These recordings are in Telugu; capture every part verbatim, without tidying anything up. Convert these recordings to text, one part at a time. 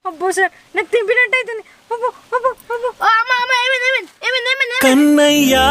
అబ్బో సార్ నాకు తింపినట్టు అవుతుంది. అబ్బో అబ్బో అబ్బో అమ్మ అమ్మ ఏమైంది ఏమైంది ఏమైంది ఏమైంది కన్నయ్యా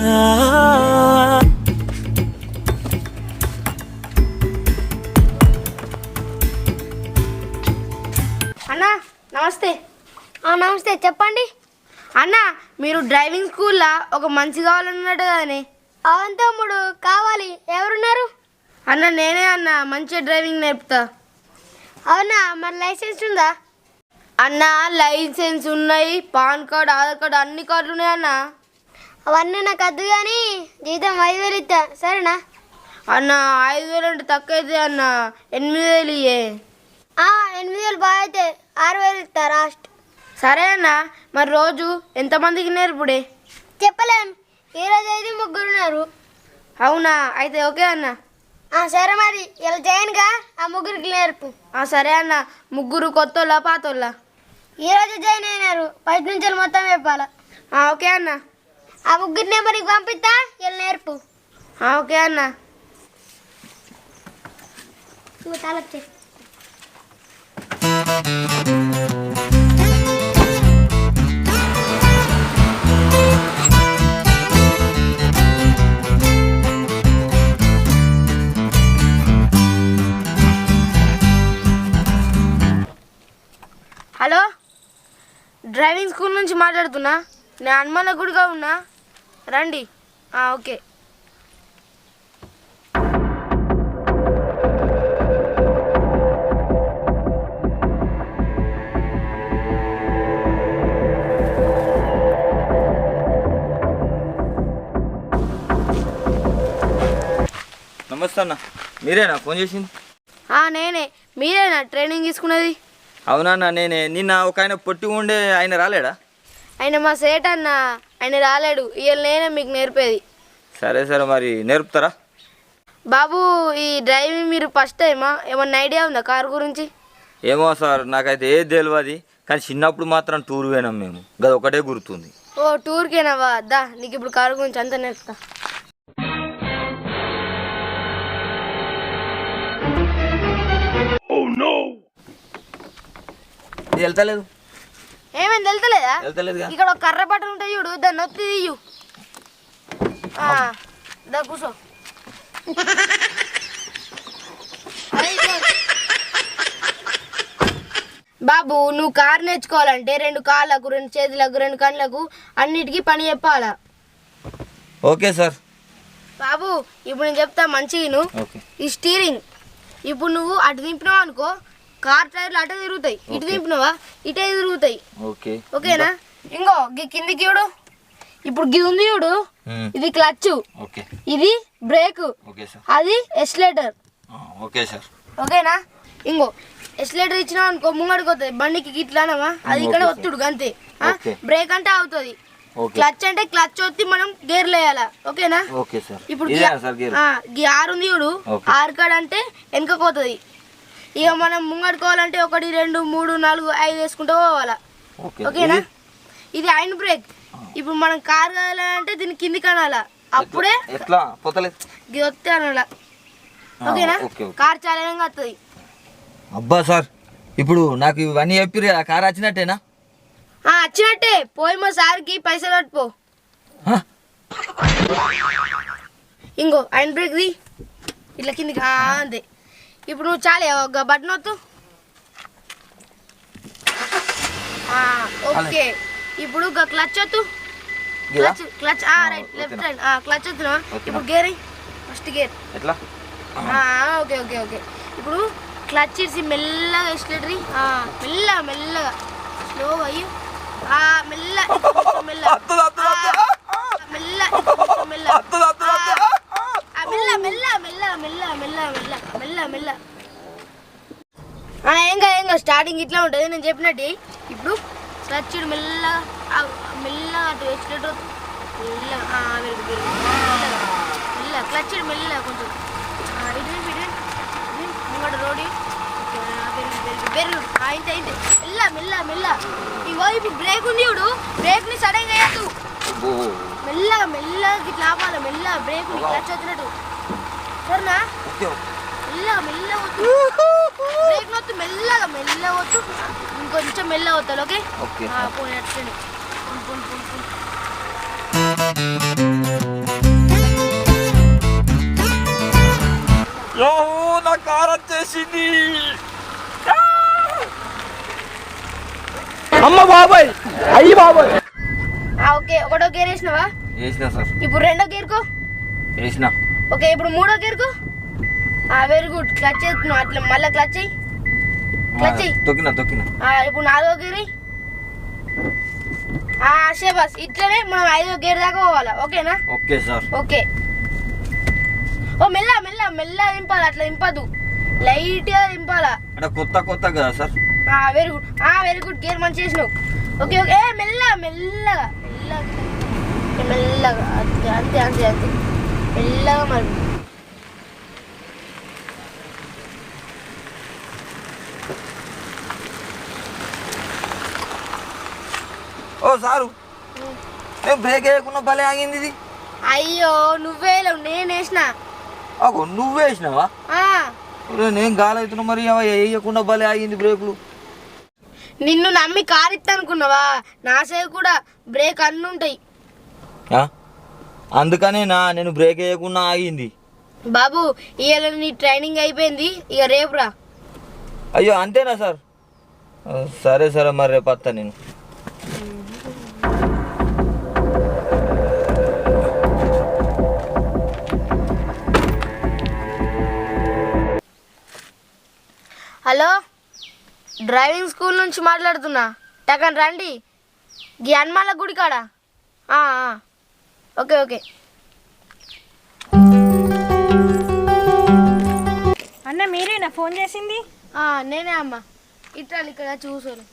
అన్నా నమస్తే. నమస్తే చెప్పండి అన్న. మీరు డ్రైవింగ్ స్కూల్లో ఒక మంచి కావాలన్నట్టు కదనే. అవును తమ్ముడు కావాలి. ఎవరున్నారు అన్న? నేనే అన్న, మంచిగా డ్రైవింగ్ నేర్పుతా. అవునా, మరి లైసెన్స్ ఉందా అన్న? లైసెన్స్ ఉన్నాయి, పాన్ కార్డ్, ఆధార్ కార్డు, అన్ని కార్డులు ఉన్నాయి అన్న. అవన్నీ నాకు వద్దు కానీ జీతం ఐదు వేలు ఇస్తా సరేనా అన్న? ఐదు వేలు అంటే తక్కువ అయితే అన్న, ఎనిమిది వేలు ఇయ్యే. ఎనిమిది వేలు బాగా అయితే ఆరు వేలు ఇస్తా లాస్ట్. సరే అన్న. మరి రోజు ఎంతమందికి నేర్పుడే? చెప్పలేం, ఈరోజు అయితే ముగ్గురు ఉన్నారు. అవునా, అయితే ఓకే అన్న. సరే మరి ఇలా జాయిన్గా ఆ ముగ్గురికి నేర్పు. సరే అన్న. ముగ్గురు కొత్తోళ్ళ పాతోళ్ళ? ఈరోజు జాయిన్ అయినారు, ఫస్ట్ నుంచి మొత్తం చెప్పాలా. ఓకే అన్న. ఆ ముగ్గురు నెంబర్కి పంపిస్తా, ఇలా నేర్పు. ఓకే అన్న. తాలొచ్చే హలో, డ్రైవింగ్ స్కూల్ నుంచి మాట్లాడుతున్నా. నేను హనుమాన్ గుడిగా ఉన్నా, రండి. ఓకే. నమస్తే అన్న, మీరేనా ఫోన్ చేసింది? నేనే. మీరేనా ట్రైనింగ్ తీసుకున్నది? అవునన్నా నేనే. నిన్న ఒక ఆయన పొట్టి ఉండే ఆయన రాలేడా? ఆయన మా సేట్ అన్న, ఆయన రాలేడు. ఇవాళ నేనే మీకు నేర్పేది. సరే సరే, మరి నేర్పుతారా? బాబు, ఈ డ్రైవింగ్ మీరు ఫస్ట్ టైమా? ఏమన్నా ఐడియా ఉందా కారు గురించి? ఏమో సార్, నాకైతే ఏది తెలియదు. కానీ చిన్నప్పుడు మాత్రం టూర్ పోయినాం మేము, గది ఒకటే గుర్తుంది. ఓ టూర్కేనావా? దా నీకు ఇప్పుడు కారు గురించి అంతా నేర్పుతా. ఇది వెళ్తలేదు. ఏమైంది వెళ్తలేదా? వెళ్తలేదు. ఇక్కడ ఒక కర్ర బట్టలు ఉంటాయి చూడు, దాన్ని నొత్తి తీయు. దా కూర్చో. బాబు, నువ్వు కారు నేర్చుకోవాలంటే రెండు కాళ్ళకు, రెండు చేతులకు, రెండు కళ్ళకు అన్నిటికీ పని చెప్పాలా. Okay sir. బాబు, ఇప్పుడు నేను చెప్తా మంచిగా. ఈ స్టీరింగ్ ఇప్పుడు నువ్వు అటు దింపినావు అనుకో, కార్ టైర్లు అటే తిరుగుతాయి. ఇటు దింపినవా ఇటే తిరుగుతాయి. ఓకేనా? ఇంకో గి కిందికి చూడు. ఇప్పుడు గి ఉంది చూడు, ఇది క్లచ్, ఇది బ్రేక్, అది ఎక్సిలరేటర్. ఓకేనా? ఇంకో ఎక్సిలరేటర్ ఇచ్చినావు అనుకో ముంగడికి వస్తుంది, బండికి గిట్లానమా అది ఇక్కడ ఒత్తుడు అంతే. బ్రేక్ అంటే అవుతుంది, క్లచ్ అంటే క్లచ్ వచ్చి మనం గేర్లు వేయాలా. ఓకేనా? ఇప్పుడు గి ఆరు ఉంది చూడు, ఆరు కాడ అంటే వెనక పోతుంది. ఇక మనం ముంగడుకోవాలంటే ఒకటి, రెండు, మూడు, నాలుగు, ఐదు వేసుకుంటూ పోవాలా. ఓకేనా? ఇది హ్యాండ్ బ్రేక్. ఇప్పుడు మనం కార్ కావాలంటే దీన్ని కింది కనాలా, అప్పుడే వస్తే అనాలా. ఓకేనా? కార్ చాలనంగా వస్తుంది. అబ్బా సార్, ఇప్పుడు నాకు ఇవన్నీ చెప్పి ఆ కార్ వచ్చినట్టేనా? వచ్చినట్టే. పోయి మా సార్కి పైసలు పట్టుపో. ఇంకో హ్యాండ్ బ్రేక్ ది ఇట్లా కిందికి అంతే. ఇప్పుడు నువ్వు చాలే ఒక బటన్ వద్దు. ఓకే. ఇప్పుడు ఒక క్లచ్ వద్దు. Clutch clutch right left right clutch వద్దునా. ఇప్పుడు gear first gear. Okay okay okay ఇప్పుడు క్లచ్ ఇచ్చి మెల్లగా ఎక్సిలరేటర్ మెల్లగా మెల్లగా స్లోగా అయ్యి మెల్ల మెల్ల మెల్ల మెల్ల మెల్ల మెల్ల మెల్ల మెల్ల మెల్ల మెల్ల మెల్ల. ఏం కాదు ఏం కాదు, స్టార్టింగ్ ఇట్లా ఉంటుంది నేను చెప్పినట్టు. ఇప్పుడు క్లచ్ మెల్లగా మెల్లగా అటు ఎక్సిలరేటర్ మెల్లగా మెల్ల క్లచ్ మెల్లగా కొంచెం ముంగట రోడ్డు బెర్రు అయితే అయితే మెల్ల మెల్ల మెల్ల. ఇగో ఇప్పుడు బ్రేక్ ఉంది చూడు, బ్రేక్ ని సడన్ గా వేయద్దు, మెల్లగా మెల్లగా ఇట్లా ఆపాలి. మెల్ల బ్రేక్ క్లచ్ వచ్చినట్టు సరేనా? మెల్లగా మెల్లగా వద్దు, బ్రేక్ నొత్తు మెల్లగా మెల్లగా వద్దు. ఇంకొంచెం మెల్ల అవుతాడు ఓకే ఓకే పోనీ అట్సండి పోనీ పోనీ పోనీ యో నా కార్ వచ్చేసింది అమ్మ బాబాయ్ అయ్యి బాబాయ్ ఓకే ఒకటో గేర్ వేసినావా వేసినా సార్ ఇప్పుడు రెండో గేర్కో వేసినా ఓకే ఇప్పుడు మూడో గేర్కో వెరీ గుడ్ క్లచ్ చేస్తున్నావు అట్లా మళ్ళీ క్లచ్ అయ్యి క్లచ్ అయ్యి తొక్కినా తొక్కినా ఇప్పుడు నాలుగో గేర్ షేబాస్ ఇట్లనే మనం ఐదో గేర్ దాకా పోవాలా ఓకేనా ఓకే సార్ ఓకే ఓ మెల్ల మెల్ల మెల్ల దింపాలి అట్లా దింపదు లైట్గా దింపాలా అంటే కొత్త కొత్త కదా sir very good very good gear మంచి చేసినావు ఓకే ఓకే ఏ మెల్ల మెల్లగా మెల్లగా మెల్లగా అంతే అంతే అంతే అంతే మెల్లగా మరి ఓ సారు నేను బ్రేక్ వేయకుండా భలే ఆగింది ఇది అయ్యో నువ్వే లేవు నేను వేసిన అగో నువ్వు వేసినావా నేను గాలవుతున్నా మరి అవ వేయకుండా భలే ఆగింది బ్రేకులు నిన్ను నమ్మి కారు ఇస్తా అనుకున్నావా నా సైడ్ కూడా బ్రేక్ అన్నీ ఉంటాయి ఆ? అందుకనే నా నేను బ్రేక్ వేయకుండా ఆగింది బాబు ఇవాళ నీ ట్రైనింగ్ అయిపోయింది ఇక రేపు రా అయ్యో అంతేనా సార్ ఆ, సరే సరే మరి రేపు వస్తా నేను హలో డ్రైవింగ్ స్కూల్ నుంచి మాట్లాడుతున్నా టకన్ రండి గీ హనుమాన్ల గుడి కాడ ఆ, ఆ. ఓకే ఓకే అన్న మీరేనా ఫోన్ చేసింది ఆ, నేనే అమ్మ ఇట్లా ఇక్కడ చూసాను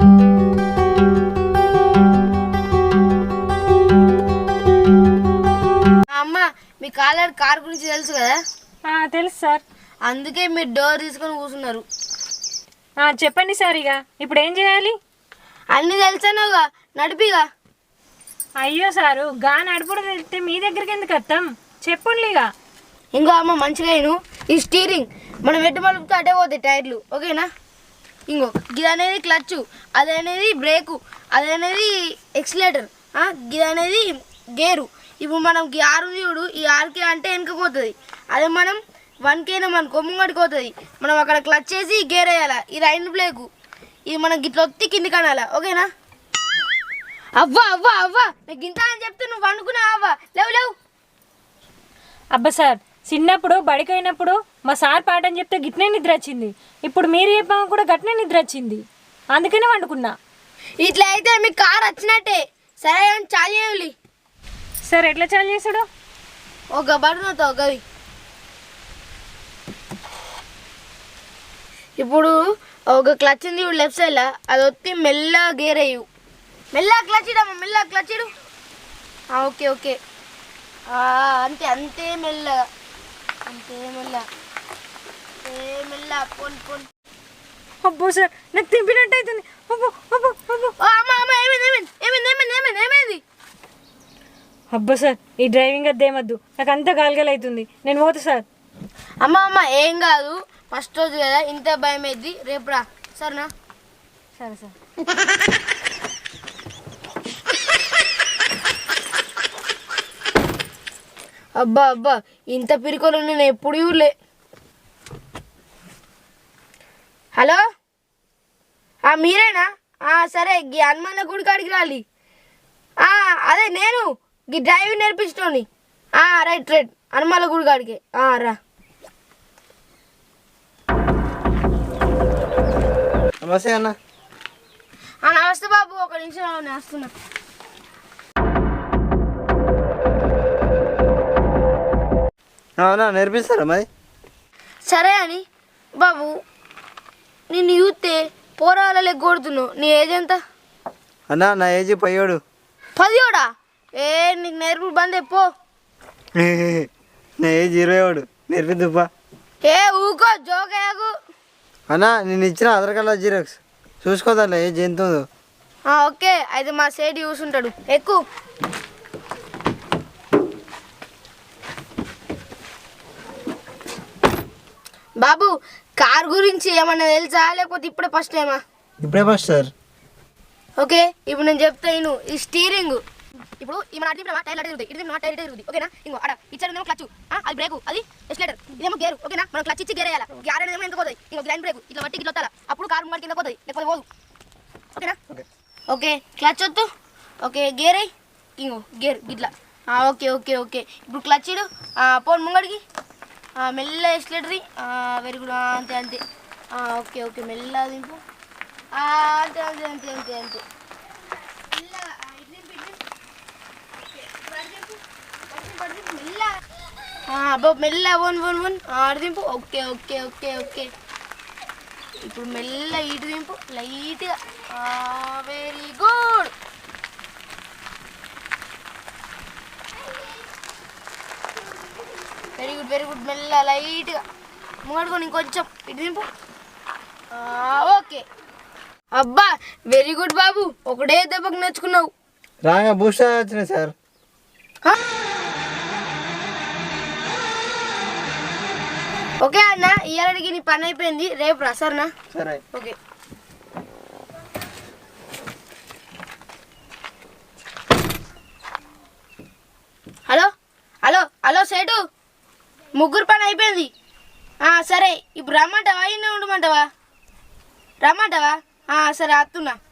అమ్మ మీ కాలర్ కార్ గురించి తెలుసు కదా ఆ, తెలుసు సార్ అందుకే మీరు డోర్ తీసుకొని కూర్చున్నారు ఆ, చెప్పండి సార్ ఇక ఇప్పుడు ఏం చేయాలి అన్నీ తెలుసానుగా నడిపిగా అయ్యో సారు గా నడుపుడు తెలిస్తే మీ దగ్గరికి ఎందుకు వస్తాం చెప్పండి ఇక ఇంకో అమ్మ మంచిగా అయిను ఈ స్టీరింగ్ మనం ఎటు మలుపుతో అటే పోతాయి టైర్లు ఓకేనా ఇంకో ఇది అనేది క్లచ్ అది అనేది బ్రేకు అది అనేది ఎక్సిలేటర్ ఇది అనేది గేరు ఇప్పుడు మనం ఈ ఆరు చూడు ఈ ఆరుకే అంటే వెనుకపోతుంది అదే మనం వన్ కేనా మనకు ముంగడికి పోతుంది మనం అక్కడ క్లచ్ చేసి గేర్ వేయాలి ఇది రైన్ బ్రేకు ఇది మనం గిట్ల ఒత్తి కిందికి అనాలా ఓకేనా అవ్వా అవ్వా అవ్వా నీకు ఇంత అని చెప్తే నువ్వు అనుకున్నా అవ్వా లేవు లేవు అబ్బా సార్ చిన్నప్పుడు బడికి అయినప్పుడు మా సార్ పాఠం చెప్తే గిట్నే నిద్ర వచ్చింది ఇప్పుడు మీరు చెప్పాము కూడా గట్నే నిద్ర వచ్చింది అందుకనే వండుకున్నా ఇట్లా అయితే మీ కార్ వచ్చినట్టే సరే అని చాలు చేయాలి సార్ ఎట్లా చాలు చేసుడు ఒక బటన్తో గవి ఇప్పుడు ఒక క్లచ్ ఉంది ఇప్పుడు లెఫ్ట్ సైడ్లో అది వచ్చి మెల్లగా గేర్ అయ్యు మెల్లగా క్లచ్ ఇడమ్మా మెల్లగా క్లచ్ ఇడు ఓకే ఓకే అంతే అంతే మెల్లగా అంతే మెల్లగా అంతే మెల్లగా పోన్ పోన్ అబ్బో సార్ నాకు తింపినట్టు అవుతుంది అబ్బో అబ్బో అబ్బో ఓ అమ్మ అమ్మ ఏమైంది ఏమైంది ఏమైంది ఏమైంది ఏమైంది ఏమైంది అబ్బో సార్ ఈ డ్రైవింగ్ అద్దేమద్దు నాకు అంతా గాలగలు అవుతుంది నేను పోతా సార్ అమ్మ అమ్మ ఏం కాదు ఫస్ట్ రోజు కదా ఇంత భయం అయింది రేపు రా సరేనా సరే సార్ అబ్బా అబ్బా ఇంత పిరికోలు నేను ఎప్పుడు చూడలే హలో మీరేనా సరే గీ హనుమాన్ల గుడి కాడికి రాలి అదే నేను గీ డ్రైవింగ్ నేర్పించటోని రైట్ రైట్ హనుమాన్ల గుడి కాడికి రా నమస్తే అన్న నమస్తే బాబు ఒక నిమిషం నేను వస్తున్నా అవునా నేర్పిస్తారా మరి సరే అని బాబు నిన్ను చూస్తే పోరాలే కొడుతున్నావు నీ ఏజ్ ఎంత అన్న నా ఏజ్ పయ్యోడు పదియోడా ఏ నీకు నేర్పుడు బంద్ పో నా ఏజ్ ఇరవై ఏడు నేర్పిద్దుపా ఏ ఊకో జోకయాకు అన్న నేను ఇచ్చిన ఆధార్ కార్డు జిరాక్స్ చూసుకోదాలే ఏజ్ ఎంత ఉందో ఓకే అయితే మా సేట్ చూసుంటాడు ఎక్కువ బాబు కార్ గురించి ఏమన్నా తెలుసా లేకపోతే ఇప్పుడే ఫస్ట్ టైమా ఇప్పుడే ఫస్ట్ సార్ ఓకే ఇప్పుడు నేను చెప్తాను ఈ స్టీరింగ్ ఇప్పుడు ఈ మన అటు టైర్ అటు తిరుగుతాయి ఇటు టైర్ ఇటు తిరుగుతుంది ఓకేనా ఇంకో అడ ఇచ్చారు క్లచ్ అది బ్రేక్ అది ఎక్సిలేటర్ ఇదేమో గేర్ ఓకేనా మనం క్లచ్ ఇచ్చి గేర్ వేయాలి గ్యార్ అనేది ఎంత పోతుంది ఇంకో లైన్ బ్రేక్ ఇట్లా బట్టి ఇట్లా వస్తారా అప్పుడు కారు ముంగడి కింద పోతుంది లేకపోతే పోదు ఓకేనా ఓకే క్లచ్ వద్దు ఓకే గేర్ అయ్యి ఇంకో గేర్ ఇట్లా ఓకే ఓకే ఓకే ఇప్పుడు క్లచ్ ఇడు పోను ముంగడికి మెల్ల ఎక్సిలేటరీ వెరీ గుడ్ అంతే అంతే ఓకే ఓకే మెల్ల దింపు అంతే అంతే అంతే అంతే అంతే అబ్బో మెల్ల వన్ వన్ వన్ ఆడు దింపు ఓకే ఓకే ఓకే ఓకే ఇప్పుడు మెల్ల ఇటు దింపు లైట్గా very good very good very good మెల్ల లైట్గా ముంగడుకొని ఇంకొంచెం ఇటు దింపు ఓకే అబ్బా వెరీ గుడ్ బాబు ఒకటే దెబ్బకు నేర్చుకున్నావు రాగా బూస్ట్ వచ్చినాయి సార్ ఓకే అన్న ఇయ్యాలకి నీ పని అయిపోయింది రేపు రా సరేనా సరే ఓకే హలో హలో హలో సేటు ముగ్గురు పని అయిపోయింది సరే ఇప్పుడు రమ్మంటావా ఇన్న ఉండమంటావా రమ్మంటావా సరే అత్తున్నా